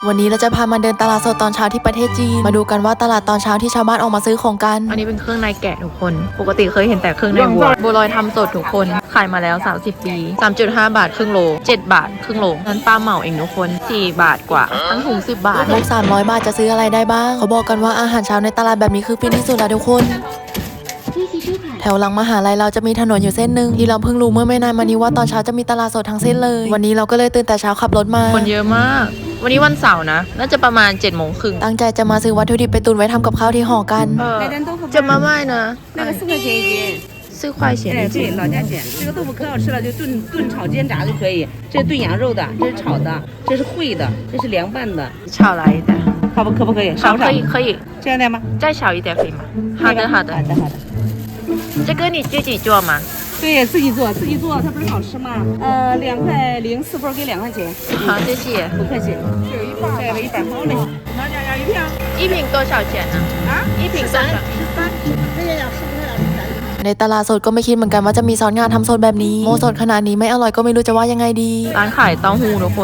วันนี้เราจะพามาเดินตลาดสดตอนเช้าที่ประเทศจีนมาดูกันว่าตลาดตอนเช้าที่ชาวบ้านออกมาซื้อของกันอันนี้เป็นเครื่องในแกะทุกคนปกติเคยเห็นแต่เครื่องในวัวบัวลอยทำสดทุกคนขายมาแล้ว30 ปี 3.5 บาทครึ่งโล7 บาทครึ่งโลนั้นป้าเหมาเองทุกคน4 บาทกว่าทั้งถุง10 บาทมุก300 บาทจะซื้ออะไรได้บ้างเขาบอกกันว่าอาหารเช้าในตลาดแบบนี้คือฟินที่สุดแล้วทุกคนแถวหลังมหาลัยเราจะมีถนนอยู่เส้นหนึ่งที่เราเพิ่งรู้เมื่อไม่นานมานี้ว่าตอนเช้าจะมีตลาดสดทั้งเส้นเลยวันนี้เราก็เลยตื่นแต่เช้าขับรถมาคนเยอะมากวันนี้วันเสาร์นะน่าจะประมาณ7:30ตั้งใจจะมาซื้อวัตถุดิบไปตุนไว้ทำกับข้าวที่ห่อกันจะมาไม่นะ那个4块钱一斤。 4块钱哎，对，老价钱。这个豆腐可好吃了，就炖炒煎炸就可以。这是炖羊肉的，这是炒的，这是烩的，这是凉拌的。 炒来一点可不可以？少不少？ 可以这样的吗？ 再少一点可以吗好的好的。 这个你自己做吗对，自己做，它不是好吃吗？2.04块给2块钱。 好谢谢不客气。这有一半，这有一半，好嘞。哪家要一瓶？ 一瓶多少钱呢啊？ 一瓶多少 13。这个要15块ในตลาดสดก็ไม่คิดเหมือนกันว่าจะมีซอสงาทำสดแบบนี้โมสดขนาดนี้ไม่อร่อยก็ไม่รู้จะว่ายังไงดีร้านขายเต้าหู้ทุกคน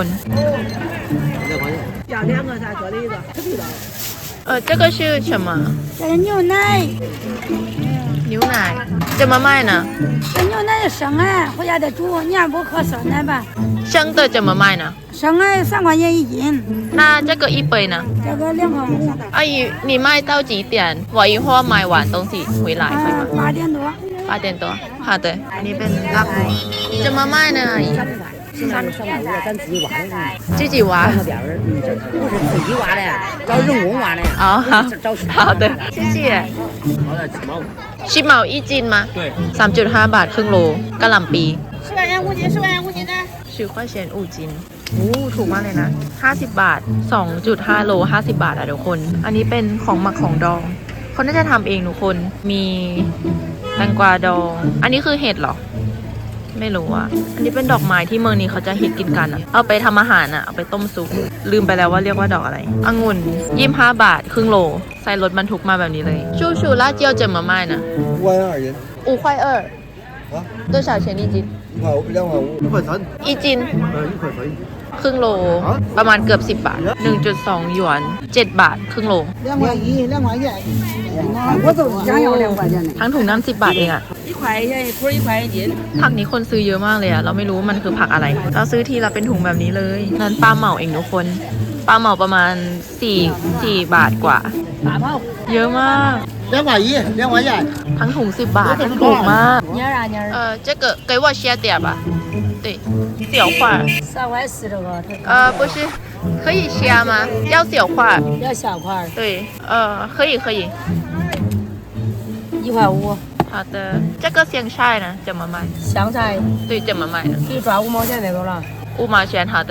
要2个啥做的一个，可以的。 这个是什么这个牛奶， 牛奶怎么卖呢这牛奶是生的，回家得煮，你要不喝酸奶吧？ 生的怎么卖呢生的3块钱一斤， 那这个一杯呢这个2块5。 阿姨你卖到几点我一会儿买完东西回来可以吗 8点多。 8点多好的อันนี้เป็นลาบจะมาไม่นะ阿姨 3.5咱自己挖的。 自己挖上边儿，这不是自己挖的，找人工挖的。 哦找好的谢谢10毛一斤吗对3.5 บาทครึ่งโลกะหล่ำปี 10块钱5斤，10块钱5斤的。 10块钱5斤โอ้ถูกมากเลยนะ50 บาท 2.5 โล50 บาทอะทุกคนอันนี้เป็นของหมักของดองเขาน่าจะทำเองทุกคนมีแตงกวาดองอันนี้คือเห็ดเหรอไม่รู้อ่ะอันนี้เป็นดอกไม้ที่เมืองนี้เขาจะฮิตกินกันอ่ะเอาไปทำอาหารอ่ะเอาไปต้มซุปลืมไปแล้วว่าเรียกว่าดอกอะไรองุ่น25 บาทครึ่งโลใส่รถบรรทุกมาแบบนี้เลยชูชู辣椒怎么卖呢 5块2斤 5块2多少钱一斤 2.5 一斤 1块3 ครึ่งโลประมาณเกือบ10 บาท 1.2 หยวน7 บาทครึ่งโล 2块1，2块钱。我就想要2块钱的。 ทั้งถุงน้ำ10 บาทเองอะ 1块钱一捆1块一斤。 ผักนี้คนซื้อเยอะมากเลยอะเราไม่รู้ว่ามันคือผักอะไรเราซื้อทีละเป็นถุงแบบนี้เลยนั้นป้าเหมาเองทุกคนป้าเหมาประมาณ4 บาทกว่าเยอะมาก 2块1 2块钱ทั้งถุง10 บาทถูกมาก妮儿啊妮儿。 这个给我切点吧对小块 3块4这个。 不是可以切吗要小块要小块。 对可以 1块5。 好的这个香菜呢怎么卖香菜对怎么卖呢可以抓5毛钱那个了。 5毛钱好的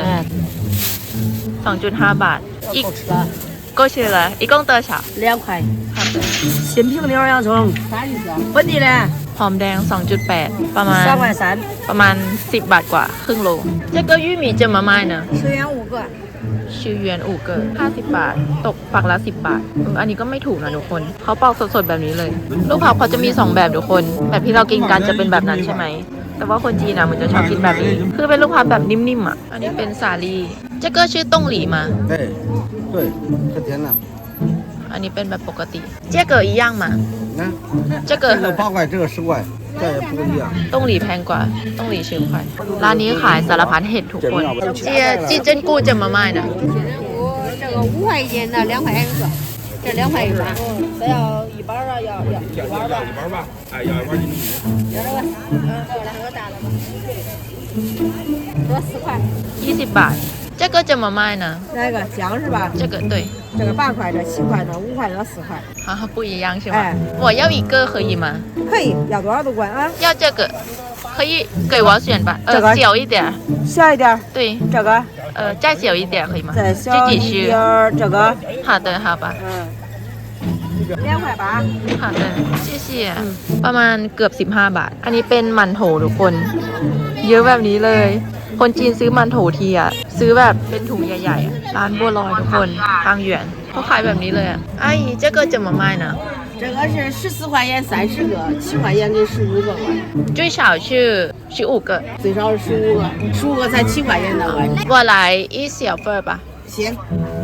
2.5 บาท够吃了。 过去了一共多少 2块。 好的新平牛洋葱。 啥意思啊？ 本地的。 หอมแดง 2.8 ประมาณ 3块3。 ประมาณ10 บาทกว่าครึ่งโล这个玉米怎么卖呢 10元5个。 10元5个50 บาทตกฝักละ10 บาทอันนี้ก็ไม่ถูกนะทุกคนเขาปอกสดๆแบบนี้เลยลูกผักเขาจะมี2แบบทุกคนแบบที่เรากินกันจะเป็นแบบนั้นใช่ไหมแต่ว่าคนจีนนะมันจะชอบกินแบบนี้คือเป็นลูกผักแบบนิ่มๆอ่ะอันนี้เป็นสาลี่这个是冻梨吗对可甜了อันนี้เป็นแบบปกติ这个一样吗这个 8块这个10块这也不一样冻梨แพงกว่า冻梨10 块ร้านนี้ขายสารพัดเห็ดทุกคน鸡胗菇怎么卖呢这个5块一斤的2块钱一个，这2块一把。这要一包啊，要一包吧。 一包吧，哎，要一包1米。 要这个，2个大的吧。这4块。 20 บาท这个怎么卖呢哪个姜是吧？ 这个对这个8块，这7块，这5块，这4块。 啊不一样是吗哎我要一个可以吗可以，要多少都管啊。 要这个可以给我选吧这个小一点小一点。 对这个。 再小一点可以吗再小一点儿，这个。 好的好吧 2块8。 好的谢谢ประมาณเกือบ15 บาทอันนี้เป็นมันโถทุกคนเยอะแบบนี้เลยคนจีนซื้อมันโถทีอ่ะซื้อแบบเป็นถุงใหญ่ๆร้านบัวลอยทุกคนทางหยวนเขาขายแบบนี้เลยอ่ะ阿姨这个怎么卖呢这个是14块钱30个，7块钱给15个。 最少是15个最少是15个，15个才7块钱的我。 我来一小份吧行。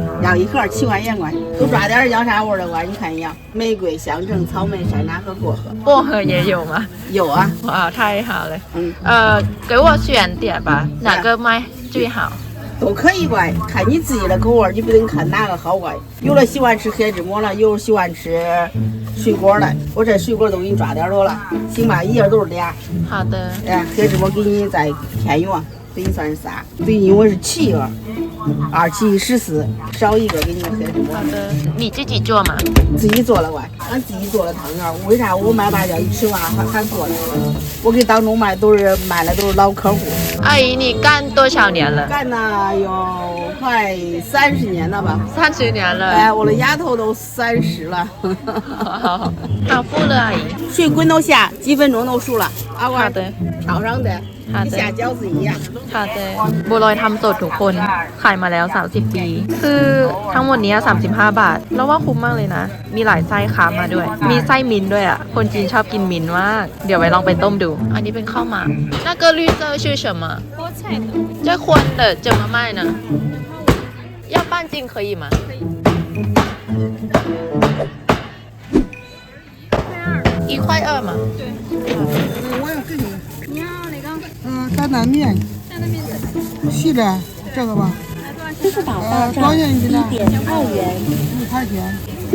要一盒7块钱乖，都抓点要啥味的乖？你看一样，玫瑰、香橙、草莓、山楂和薄荷。 薄荷也有吗？ 有啊， 哇，太好了。 嗯， 给我选点吧，哪个卖最好？ 都可以乖，看你自己的口味，你不能看哪个好乖。有的喜欢吃黑芝麻了，有喜欢吃水果的，我这水果都给你抓点多了，行吧？一页都是俩。 好的。 哎，黑芝麻给你再添一碗，等于算是3。对，因为是7个，2、7、14，少一个给你个黑芝麻。 好的，你自己做吗？ 自己做了乖，俺自己做的汤圆。为啥我卖辣椒一吃完还做了？我给当中卖都是老客户。 阿姨，你干多少年了？ 干了有快30年了吧 30年了。 哎，我的丫头都30了。 好富了，阿姨。 水滚到下，几分钟都熟了。阿好的， 套上的， 好的下饺子一样。 ค่ะแต่บัวลอยทำสดทุกคนขายมาแล้ว30 ปีคือทั้งหมดนี้35 บาทแล้วว่าคุ้มมากเลยนะมีหลายไส้ค้ามาด้วยมีไส้มิ้นท์ด้วยอ่ะคนจีนชอบกินมิ้นท์มากเดี๋ยวไว้ลองไปต้มดูอันนี้เป็นข้าวหมาก那个绿色是什么菠菜的这荤的怎么卖呢要半斤可以吗1.2嘛对我要给你。 你要哪个？ 担担面， 担担面的。 细的这个吧。 支付宝到多少钱一斤呢 1.2元。 1块钱。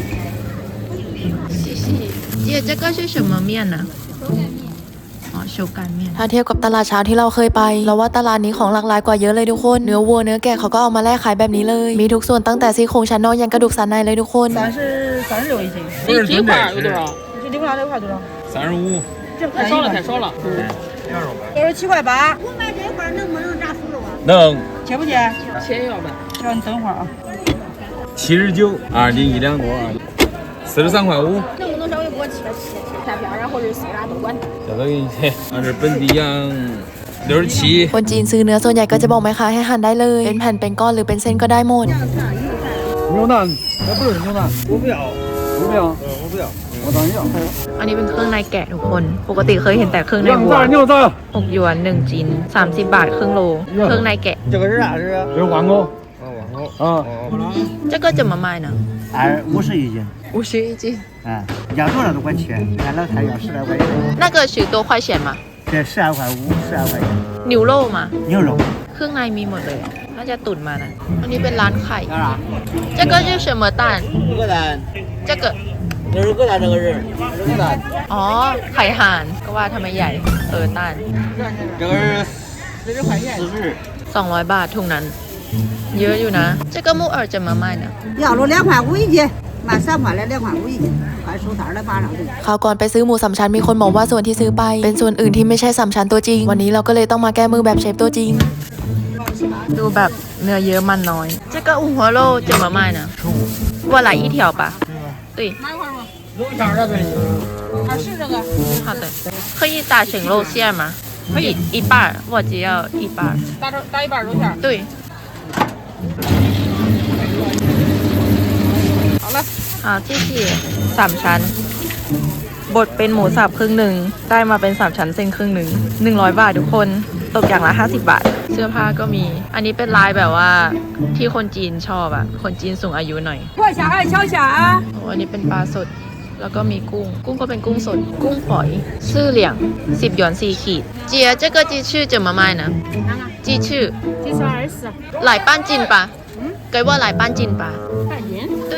谢谢姐这个是什么面呢อ๋อโชกันเมียนถ้าเทียบกับตลาดเช้าที่เราเคยไปเราว่าตลาดนี้ของหลากหลายกว่าเยอะเลยทุกคนเนื้อวัวเนื้อแกะเขาก็เอามาแลกขายแบบนี้เลยมีทุกส่วนตั้งแต่ซี่โครงชั้นนอกยันกระดูกสันในเลยทุกคน 36一斤。 不是鸡块有多少这6块多少 ？35。 这太少了，太少了。 67.8。 我买这块能不能炸熟肉啊？ 能。 切不切？ 切要呗。 让你等会儿啊。 79，2斤1两多，43.5。 能不能稍微给我切片片啊，或者丝啊都管。 这个给你切，俺这本地羊67。 คนจีนซื้อเนื้อส่วนใหญ่ก็จะบอกแม่ค้าให้หั่นได้เลยเป็นแผ่นเป็นก้อนหรือเป็นเส้นก็ได้หมด牛腩，那不是牛腩，我不要，我不要，我不要，我当要。 อันนี้เป็นเครื่องในแกะทุกคนปกติเคยเห็นแต่เครื่องในวัว牛杂， 6 หยวน1ชิ้น30 บาทครึ่งโลเครื่องในแกะ这个是啥？这是？这是黄狗。啊， 这个怎么卖呢 50一斤。 50一斤哎，要多少都管切，俺老太要10来块钱。 那个10多块钱嘛这12.5，12块钱。 牛肉嘛牛肉。 เครื่องในมีหมดเลยน่าจะตุ๋นมานะอันนี้เป็นร้านไข่这个是什么蛋鹅蛋。 这个这是鹅蛋，这个是鹅蛋。 อ๋อไข่ห่านก็ว่าทำไมใหญ่ต้าน这个是40。 200 บาทถุงนั้นเยอะอยู่นะ这个木耳怎么卖呢要了2.5块一斤，卖3块来2.5块一斤，快收摊来马上就。 คราวก่อนไปซื้อหมูสามชั้นมีคนบอกว่าส่วนที่ซื้อไปเป็นส่วนอื่นที่ไม่ใช่สามชั้นตัวจริงวันนี้เราก็เลยต้องมาแก้มือแบบเชฟตัวจริงดูแบบเนื้อเยอะมันน้อย这个五花肉怎么卖呢我来一条吧对肉馅儿这边有。 是这个。 好的可以打成肉馅吗可以一半我只要一半打一半肉馅。 对好了。 好谢谢3 ชั้นบดเป็นหมูสับครึ่งหนึ่งได้มาเป็น3 ชั้นเส้นครึ่งหนึ่ง100 บาททุกคนตกอย่างละ50 บาทเสื้อผ้าก็มีอันนี้เป็นลายแบบว่าที่คนจีนชอบอ่ะคนจีนสูงอายุหน่อย快下来，敲下啊！ โอ้อันนี้เป็นปลาสดแล้วก็มีกุ้งก็เป็นกุ้งสดกุ้งฝอยซื่อเหลี่ยง10 หยวน4 ขีด姐这个鸡翅怎么卖呢鸡翅鸡翅24。 来半斤吧给我来半斤吧半斤。 对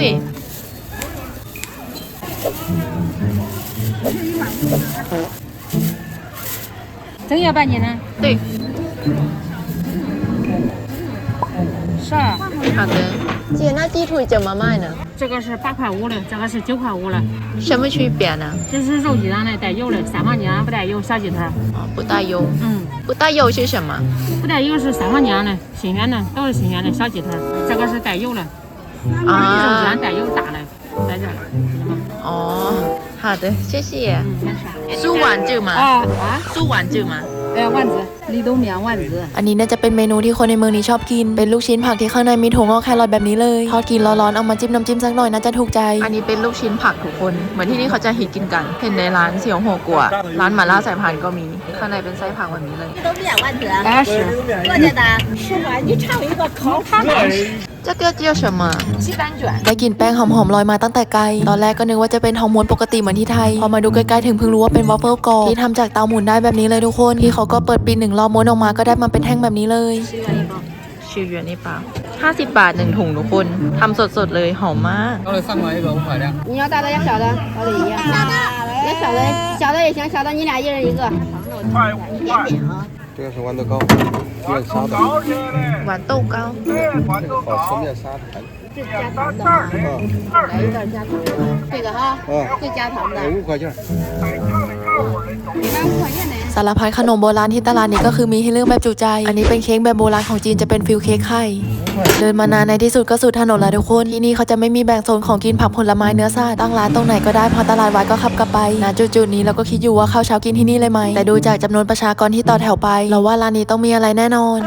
真要半斤呢？ 对是。 好的姐那鸡腿怎么卖呢这个是8.5的，这个是9.5的。 什么区别呢这是肉鸡蛋的，带油的；三黄姜不带油，小鸡腿。 哦不带油不带油是什么不带油是三黄姜的，新鲜的，都是新鲜的小鸡腿。这个是带油的，肉鸡蛋带油大的，在这儿。 哦好的谢谢没事。 酥丸子吗酥丸子吗丸子，绿豆面丸子。 อันนี้น่าจะเป็นเมนูที่คนในเมืองนี้ชอบกินเป็นลูกชิ้นผักที่ข้างในมีถั่วงอกแครอทแบบนี้เลยทอดกินร้อนๆเอามาจิ้มน้ำจิ้มสักหน่อยน่าจะถูกใจอันนี้เป็นลูกชิ้นผักทุกคนเหมือนที่นี่เขาจะฮิตกินกันเห็นในร้านเสี่ยวหัวกัวร้านหม่าล่าสายพานก็มีข้างในเป็นไส้ผักแบบนี้เลย 80。 多少钱的？10块，你尝一个烤盘。 这个叫什么鸡蛋卷。 ได้กลิ่นแป้งหอมๆลอยมาตั้งแต่ไกลตอนแรกก็นึกว่าจะเป็นทองม้วนปกติเหมือนที่ไทยพอมาดูใกล้ๆถึงเพิ่งรู้ว่าเป็นวอฟเฟิลกรอบที่ทำจากเตาหมุนได้แบบนี้เลยทุกคนพี่เขาก็เปิดปีหนึ่งรอบม้วนออกมาก็ได้มาเป็นแท่งแบบนี้เลยชิวหยวนนี่เปล่า50 บาท1ถุงทุกคนทำสดๆเลยหอมมาก要来3块一个5块的。 你要大的要小的，小的一样。要小的也行，小的你俩一人一个。 这个是豌豆糕，面沙的， หวานโต้เก้า这个好吃面沙的。 这加糖的哈，来一袋加糖的。这个哈，这加糖的。 5块钱。 你看5块钱的。 สารพัดขนมโบราณที่ตลาดนี้ก็คือมีให้เลือกแบบจุใจอันนี้เป็นเค้กแบบโบราณของจีนจะเป็นฟิลเค้กไข่เดินมานานในที่สุดก็สุดถนนแล้วทุกคนที่นี่เขาจะไม่มีแบ่งโซนของกินผักผลไม้เนื้อสัตว์ตั้งร้านตรงไหนก็ได้พอตลาดวัดก็ขับกลับไปณจุดๆนี้เราก็คิดอยู่ว่าข้าวเช้ากินที่นี่เลยไหมแต่ดูจากจำนวนประชากรที่ต่อแถวไปเราว่าร้านนี้ต้องมีอะไรแน่นอน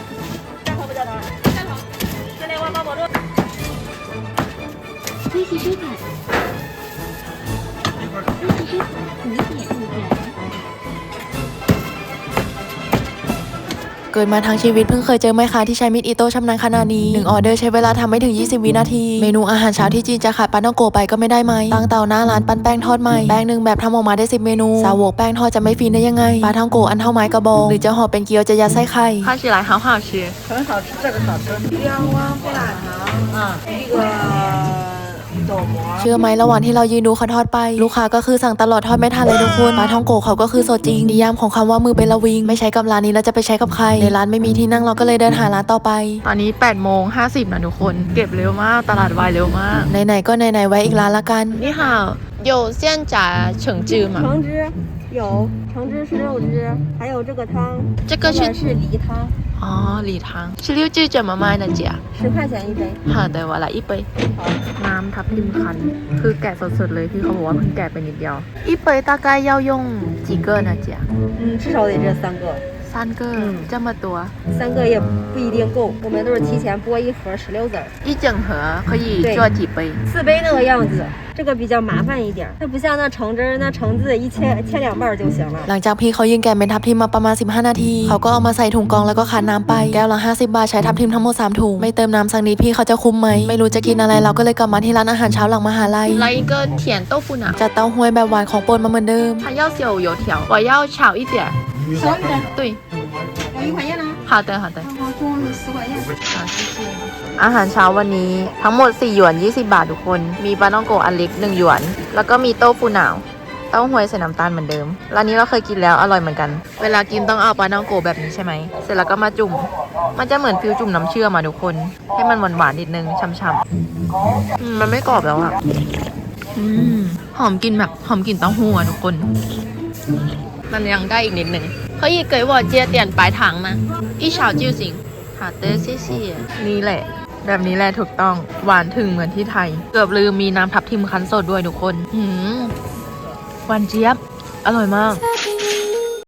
เกิดมาทั้งชีวิตเพิ่งเคยเจอแม่ค้าที่ใช้มีดอิโต้ชำนาญขนาดนี้1ออเดอร์ใช้เวลาทำไม่ถึง20วินาทีเมนูอาหารเช้าที่จีนจะขาดปาท่องโกไปก็ไม่ได้ไหมตั้งเตาหน้าร้านปั้นแป้งทอดใหม่แป้งหนึ่งแบบทำออกมาได้10เมนูสาวกแป้งทอดจะไม่ฟินได้ยังไงปลาท่องโกอันเท่าไม้กระบอกหรือจะห่อเป็นเกี๊ยวจะยัดไส้ไข่看起来好好吃很好吃，这个好吃。两碗胡辣汤啊，一个豆膜。 เชื่อไหมระหว่างที่เรายืนดูเขาทอดไปลูกค้าก็คือสั่งตลอดทอดไม่ทันเลยทุกคนปลาท่องโกเขาก็คือสดจริงนิยามของคำว่ามือเป็นละวิงไม่ใช้กับร้านนี้แล้วจะไปใช้กับใครในร้านไม่มีที่นั่งเราก็เลยเดินหาร้านต่อไปตอนนี้8:50นะทุกคนเก็บเร็วมากตลาดวายเร็วมากไหนๆก็ไหนๆไว้อีกร้านละกันนี่ค่ะ有现炸橙汁吗橙汁有，橙汁是肉汁，还有这个汤， 这个是是梨汤， 哦梨汤石榴汁怎么卖呢姐 10块钱一杯。 好的我来一杯น้ำทับทิมคั้นคือแกะสดๆเลยพี่เขาบอกว่าเพิ่งแกะไปนิดเดียว一杯大概要用几个呢姐至少得这3个。 3个这么多 3个也不一定够，我们都是提前剥一盒16籽儿， 一整盒可以做几杯 4杯那个样子。这个比较麻烦一点，它不像那橙汁儿，那橙子一切两半就行了。 หลังจากพี่เขายืนแกะเป็นทับทิมมาประมาณ15นาทีเขาก็เอามาใส่ถุงกรองแล้วก็คั้นน้ำไปแก้วละ50 บาทใช้ทับทิมทั้งหมด3ถุงไม่เติมน้ำสักนิดพี่เขาจะคุ้มไหมไม่รู้จะกินอะไรเราก็เลยกลับมาที่ร้านอาหารเช้าหลังมหาลัย来一个甜豆腐脑， จัดเต้าหู้แบบหวานของโปรดมาเหมือนเดิม它要是有油条，我要炒一点。 少一点， 对， 要1块钱呢。 好的好的。 好，中午是4块钱。 好，谢谢。 อาหารเช้าวันนี้ทั้งหมด4หยวน20 บาททุกคนมีปลาท่องโกอันเล็ก1หยวนแล้วก็มีโต้ฟูหนาวเต้าหวยใส่น้ำตาลเหมือนเดิมร้านนี้เราเคยกินแล้วอร่อยเหมือนกันเวลากินต้องเอาปลาท่องโกแบบนี้ใช่ไหมเสร็จแล้วก็มาจุ่มมันจะเหมือนฟิวจุ่มน้ำเชื่อมมาทุกคนให้มันหวานๆนิดนึงช่ำๆมันไม่กรอบแล้วอะหอมกลิ่นแบบหอมกลิ่นเต้าหู้อะทุกคนมันยังได้อีกนิดนึง可以给我接点白糖吗？一勺就行。好的，谢谢。 นี่แหละแบบนี้แหละถูกต้องหวานถึงเหมือนที่ไทยเกือบลืมมีน้ำทับทิมคั้นสดด้วยทุกคนหวานเจี๊ยบอร่อยมาก